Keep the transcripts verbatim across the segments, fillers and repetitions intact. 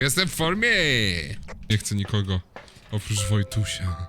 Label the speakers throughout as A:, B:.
A: Jestem w formie! Nie chcę nikogo, oprócz Wojtusia.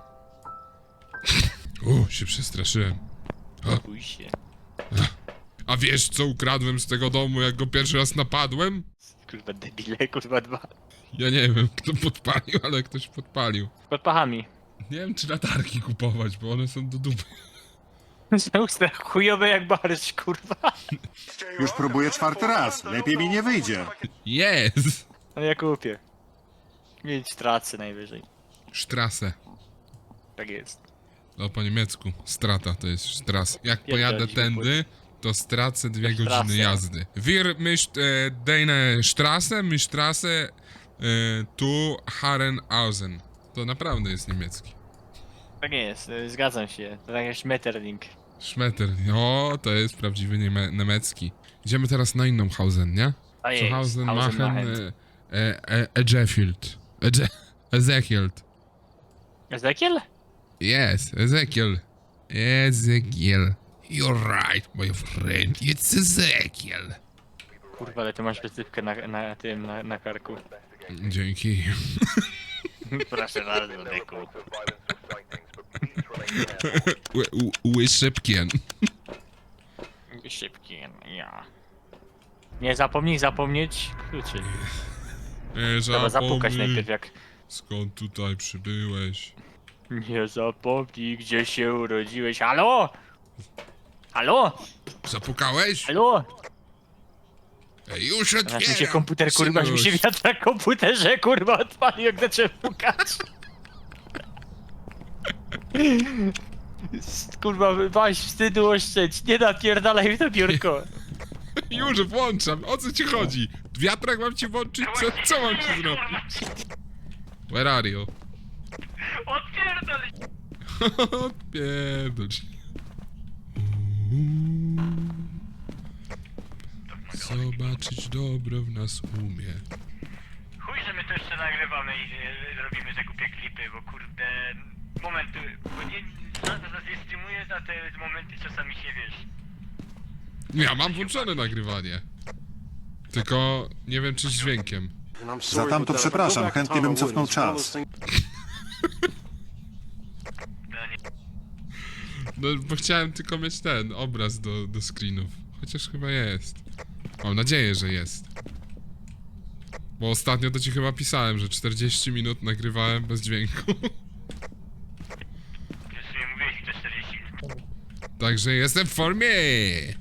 A: O, się przestraszyłem.
B: Bój się.
A: A wiesz, co ukradłem z tego domu, jak go pierwszy raz napadłem?
B: Kurwa debile, kurwa dwa.
A: Ja nie wiem, kto podpalił, ale ktoś podpalił.
B: Pod pachami.
A: Nie wiem, czy latarki kupować, bo one są do dupy.
B: Są chujowe jak barszcz, kurwa.
C: Już próbuję czwarty raz. Lepiej mi nie wyjdzie.
A: Jest!
B: No ja kupię. Mieć tracę najwyżej.
A: Strasse.
B: Tak jest.
A: No po niemiecku. Strata to jest Strasse. Jak
B: Pierdolić
A: pojadę
B: go,
A: tędy, to stracę dwie
B: To
A: godziny
B: Strasse.
A: jazdy. Wir mischt e, deine Strasse, mi Strasse e, tu Herrenhausen. To naprawdę jest niemiecki.
B: Tak jest, y, zgadzam się. To tak jak Schmetterling.
A: Schmetter. O, to jest prawdziwy nieme niemiecki. Idziemy teraz na inną Hausen, nie?
B: A jest,
A: Zuhausen,
B: Hausen,
A: Machen,
B: Machen.
A: e, e, Ezechield. Eze Ezechield.
B: Ezekiel?
A: Yes, Ezekiel. Ezekiel. You're right, my friend. It's Ezekiel.
B: Kurwa, ale ty masz wysypkę na, na tym, na, na karku.
A: Dzięki.
B: Proszę bardzo, deku.
A: Łyszybkien.
B: Szybki, ja. Nie zapomnij zapomnieć kluczy.
A: Nie
B: Trzeba zapukać
A: zapomnij,
B: najpierw jak...
A: skąd tutaj przybyłeś.
B: Nie zapomnij, gdzie się urodziłeś. Halo? Halo?
A: Zapukałeś?
B: Halo?
A: Ej, już
B: Aż mi się
A: otwieram.
B: komputer, kurwa, aż mi się
A: synuś.
B: wiatr na komputerze, kurwa, odpalił, jak zacząłem pukać. Kurwa, weź wstydu oszczędź, nie napierdalaj w to biurko.
A: Już włączam, o co ci chodzi? Wiatrak mam ci włączyć? Co, co mam ci zrobić? Where are you?
B: Odpierdalaj!
A: Odpierdol się. Zobaczyć dobro w nas umie.
B: Chuj, że my to jeszcze nagrywamy i e, robimy te głupie klipy, bo kurde... Momenty, bo nie... Nie streamuję, a te momenty czasami się wiesz.
A: Ja mam włączone nagrywanie. Tylko nie wiem, czy z dźwiękiem.
C: Za tamto przepraszam, chętnie bym cofnął czas.
A: No, bo chciałem tylko mieć ten obraz do, do screenów. Chociaż chyba jest. Mam nadzieję, że jest. Bo ostatnio to ci chyba pisałem, że czterdzieści minut nagrywałem bez dźwięku.
B: Już nie mówiłeś to czterdzieści minut.
A: Także jestem w formie!
B: Ej,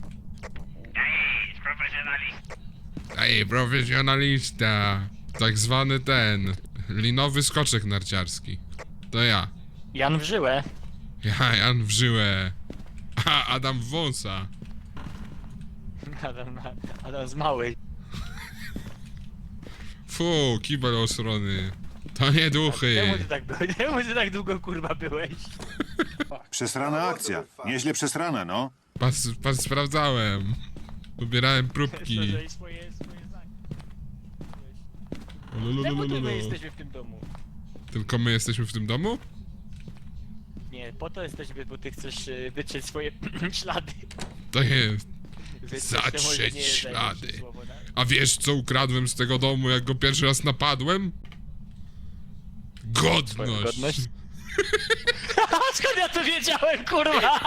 B: profesjonalista.
A: Ej, profesjonalista! Tak zwany ten... linowy skoczek narciarski. To ja.
B: Jan w żyłę.
A: Ja, Jan w żyłę. A, Adam w wąsa.
B: Adam, Adam z małej.
A: Fu, kibel osrony. To nie
B: Czemu
A: duchy.
B: ty tak byłeś? Czemu ty tak długo kurwa byłeś?
C: Przesrana akcja. Nieźle przesrana, no.
A: Pas, pas sprawdzałem. Pobierałem próbki.
B: Swoje, swoje zdanie. Czemu
A: Lololololo.
B: to my jesteśmy w tym domu?
A: Tylko my jesteśmy w tym domu?
B: Nie, po to jesteśmy, bo ty chcesz y, wytrzeć swoje ślady.
A: To jest.
B: Wytrzeć
A: Zatrzeć
B: te moje- nie, daj mi się
A: ślady.
B: słowo na-
A: A wiesz, co ukradłem z tego domu, jak go pierwszy raz napadłem?
B: Twoją
A: Godność.
B: godność? Skąd ja to wiedziałem, kurwa?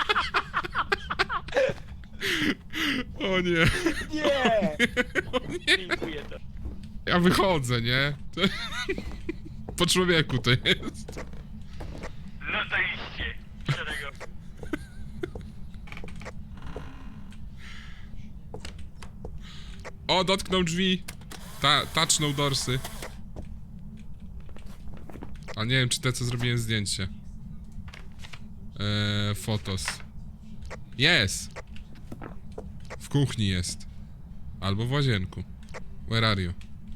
A: O nie.
B: Nie!
A: O nie.
B: Dziękuję to.
A: Ja wychodzę, nie? To... Po człowieku to jest.
B: No to iście. Szerego.
A: O, dotknął drzwi. Ta, touchnął dorsy. A nie wiem, czy te, co zrobiłem zdjęcie. Eee, fotos. Jest! W kuchni jest. Albo w łazienku. Where are you?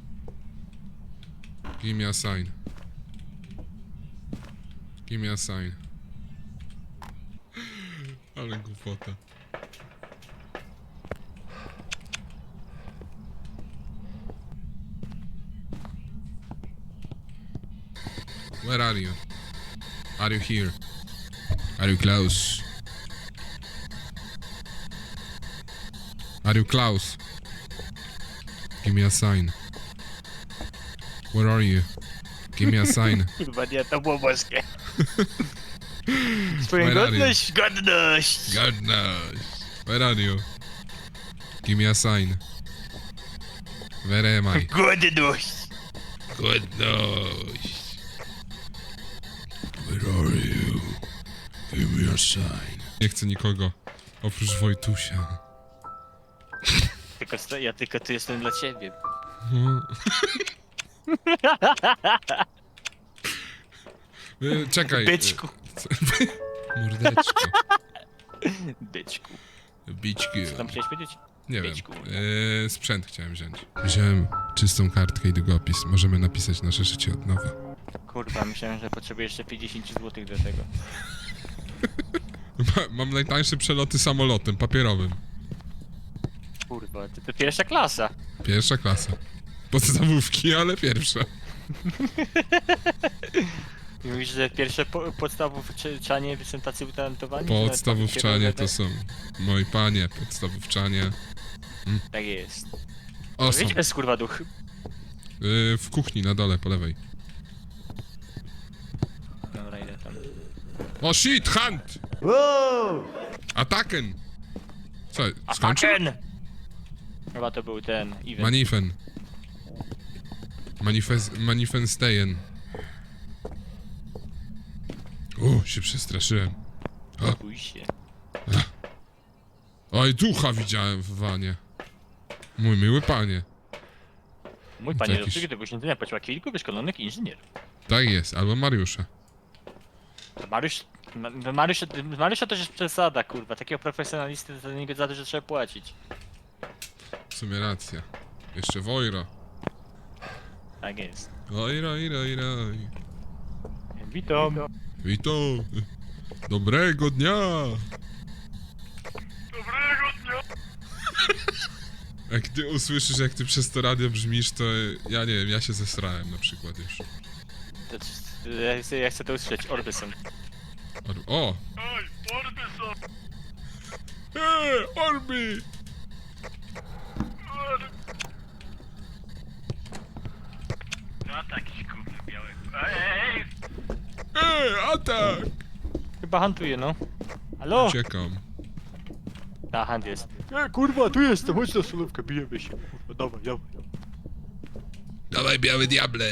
A: Give me a sign. Give me a sign. Ale głupota. Where are you? Are you here? Are you close? Are you close? Give me a sign. Where are you? Give me a sign.
B: Kurwa nie, to było boskie. Twoja
A: Where are you?
B: godność, godność!
A: Goodness. Where are you? Give me a sign. Where am I?
B: Godność!
A: Goodness. Where are you? Give me a sign. Nie chcę nikogo. Oprócz Wojtusia.
B: Tylko, sto- ja tylko tu jestem dla ciebie.
A: E, Czekaj.
B: Byczku.
A: e, Mordeczko.
B: Byczku.
A: Bićki.
B: Co tam chciałeś powiedzieć?
A: Nie wiem.
B: Byczku.
A: E, sprzęt chciałem wziąć. Wziąłem czystą kartkę i długopis. Możemy napisać nasze życie od nowa.
B: Kurwa, myślałem, że potrzebuję jeszcze pięćdziesiąt złotych do tego.
A: Ma, mam najtańsze przeloty samolotem papierowym.
B: Kurwa, to, to pierwsza klasa.
A: Pierwsza klasa. Podstawówki, ale pierwsza.
B: I mówisz, że pierwsze po, podstawówczanie są tacy utalentowani? że nawet
A: Podstawówczanie to
B: papierowe?
A: są. Moi panie, podstawówczanie.
B: Tak jest.
A: O, są.
B: Wiecie, jest kurwa duch.
A: Yy, w kuchni na dole, po lewej.
B: Dobra, idę tam.
A: O shit, hunt! Ataken! Co,
B: A
A: skończył?
B: fucking! Chyba to był ten event.
A: Manifen. Manifest... Manifestejen. O, się przestraszyłem. O,
B: Bój się.
A: oj, ducha widziałem w wanie. Mój miły panie.
B: Mój
A: To
B: panie, do
A: jakiś-
B: obsługi tego śniadania płaciła kilku wyszkolonych inżynierów.
A: Tak jest, albo Mariusza.
B: To Mariusz... Ma- no Mariusz, Mariusza to jest przesada, kurwa. Takiego profesjonalisty to niego za to, że trzeba płacić.
A: W sumie racja. Jeszcze Wojro.
B: Tak jest.
A: Ojro, iro, iro.
B: Witam.
A: Witam. Dobrego dnia.
B: Dobrego dnia.
A: Jak ty usłyszysz, jak ty przez to radio brzmisz, to ja nie wiem, ja się zesrałem na przykład już.
B: To, to, ja, chcę, ja chcę to usłyszeć. Orbyson.
A: Or o!
B: Oj, Orbyson.
A: Eee, Orbi!
B: No taki gówno biały. Ej!
A: Eee, atak!
B: Chyba hantuje, no. Halo?
A: Uciekam.
B: Ta hand jest. E, kurwa, tu jestem, chodź na solówkę, bijemy się. Kurwa, dawaj, dawaj.
A: Dawaj, biały diable!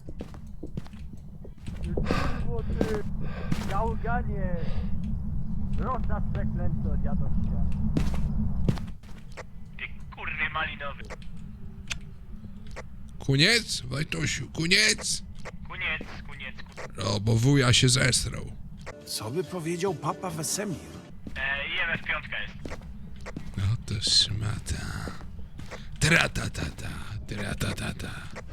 B: Gałganie! Rosa przeklęto dziadowska. Ty kurny malinowy.
A: Kuniec, Wojtusiu, kuniec!
B: Kuniec, kuniec, kuniec.
A: No, bo wuja się zesrał.
D: Co by powiedział papa Wesemir?
B: E, I M F pięć jest.
A: No to szmata. Tratatata, tratatata.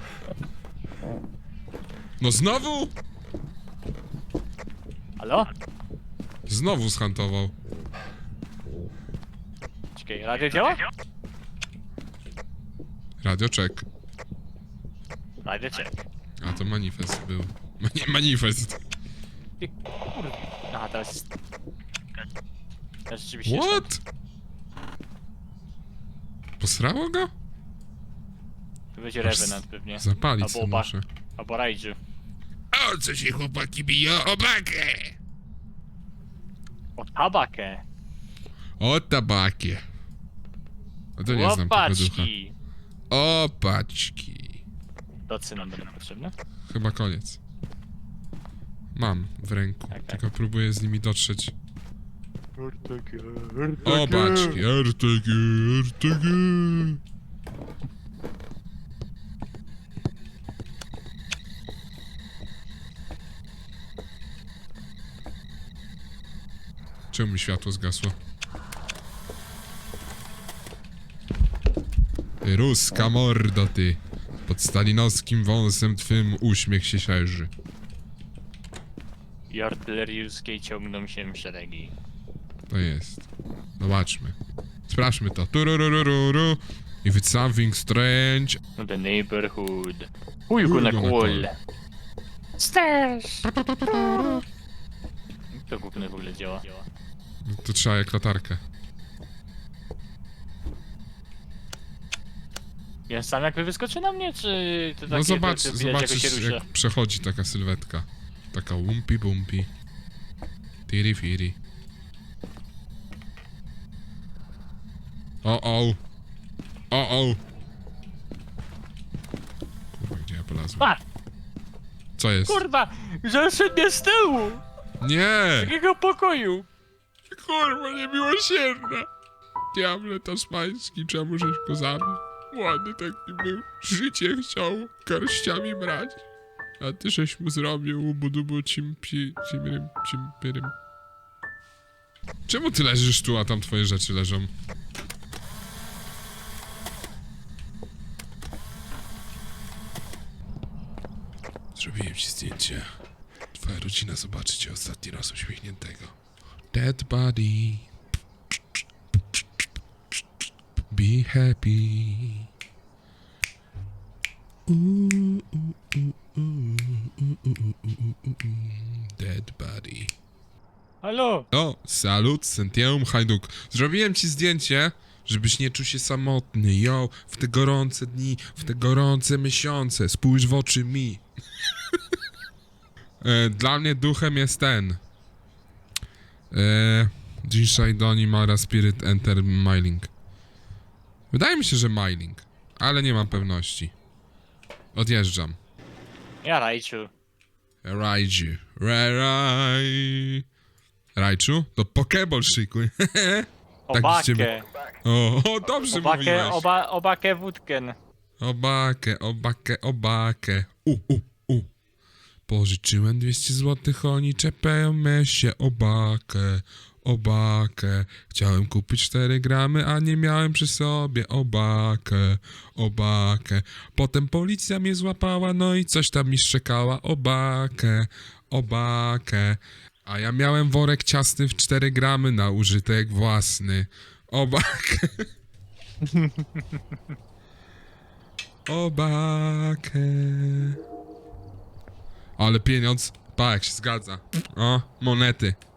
A: No znowu?
B: Halo?
A: Znowu zhantował.
B: Czekaj, radio działa?
A: Radio check.
B: Radio check.
A: A to manifest był. Mani manifest.
B: Ty kurwa. Aha, teraz jest... Teraz rzeczywiście jest.
A: What? Posrało go?
B: To będzie Revenant pewnie.
A: Zapalić
B: Albo
A: se
B: oba.
A: muszę.
B: Albo Raiju.
A: O co się chłopaki biją? O bakę!
B: O tabakę.
A: O tabakie. A to nie znam tego ducha.
B: Łopaczki.
A: O paczki.
B: Docy nam będą potrzebne?
A: Chyba koniec. Mam w ręku,
B: Tak, tak.
A: tylko próbuję z nimi dotrzeć.
B: R T G,
A: O paczki, R T G, R T G. Czemu mi światło zgasło? Ty ruska mordo, ty. Pod stalinowskim wąsem twym uśmiech się szerzy.
B: I artyleriuskiej ciągną się szeregi.
A: To jest. Zobaczmy. Sprawdźmy to. Tururururu. If it's something strange.
B: No the neighborhood. Who you gonna
A: gonna
B: call?
A: call?
B: Stairs! To gówno w ogóle działa.
A: To trzeba jak latarkę.
B: Ja sam jakby wyskoczy na mnie, czy to takie,
A: No zobacz,
B: to, to widać, jak się
A: zobaczysz
B: rusza?
A: jak przechodzi taka sylwetka. Taka łumpi bumpi. Tiri firi. O o. O o. Kurwa, gdzie ja polazłem?
B: A!
A: Co jest?
B: Kurwa! Zaszedł mnie z tyłu!
A: Nie!
B: Takiego pokoju!
A: Kurwa, niemiłosierna! Diable tasmański, czemu żeś go zabił? Ładny taki był, życie chciał garściami brać. A ty żeś mu zrobił budubu cimpi, cimrym, cimpyrym. Czemu ty leżysz tu, a tam twoje rzeczy leżą? Zrobiłem ci zdjęcie. Twoja rodzina zobaczy cię ostatni raz uśmiechniętego. Dead body. Be happy. Ooh, ooh, ooh, ooh, ooh, ooh, ooh, ooh, ooh. Dead body.
B: Halo!
A: O, salut, Sentium Hajduk. Zrobiłem ci zdjęcie, żebyś nie czuł się samotny. Yo, w te gorące dni, w te gorące miesiące, spójrz w oczy mi. e, dla mnie duchem jest ten. E, dzisiaj Doni Mara Spirit Enter Myling. Wydaje mi się, że Myling, ale nie mam pewności. Odjeżdżam.
B: Ja Rajciu.
A: Raiju. Raj. Rajczu? To Pokeball szykuj. Tak z ciebie-
B: Obakę.
A: O, o, dobrze
B: Obakę,
A: mówiłeś.
B: oba, obakę wódkę.
A: Obakę, obakę, obakę. U, u, u. Pożyczyłem dwieście złotych, oni czepiają mnie się. Obakę, obakę. Chciałem kupić cztery gramy, a nie miałem przy sobie. Obakę, obakę. Potem policja mnie złapała, no i coś tam mi szczekała. Obakę, obakę. A ja miałem worek ciasny w cztery gramy na użytek własny. Obakę. Obakę. Ale pieniądz, pa jak się zgadza. O, monety.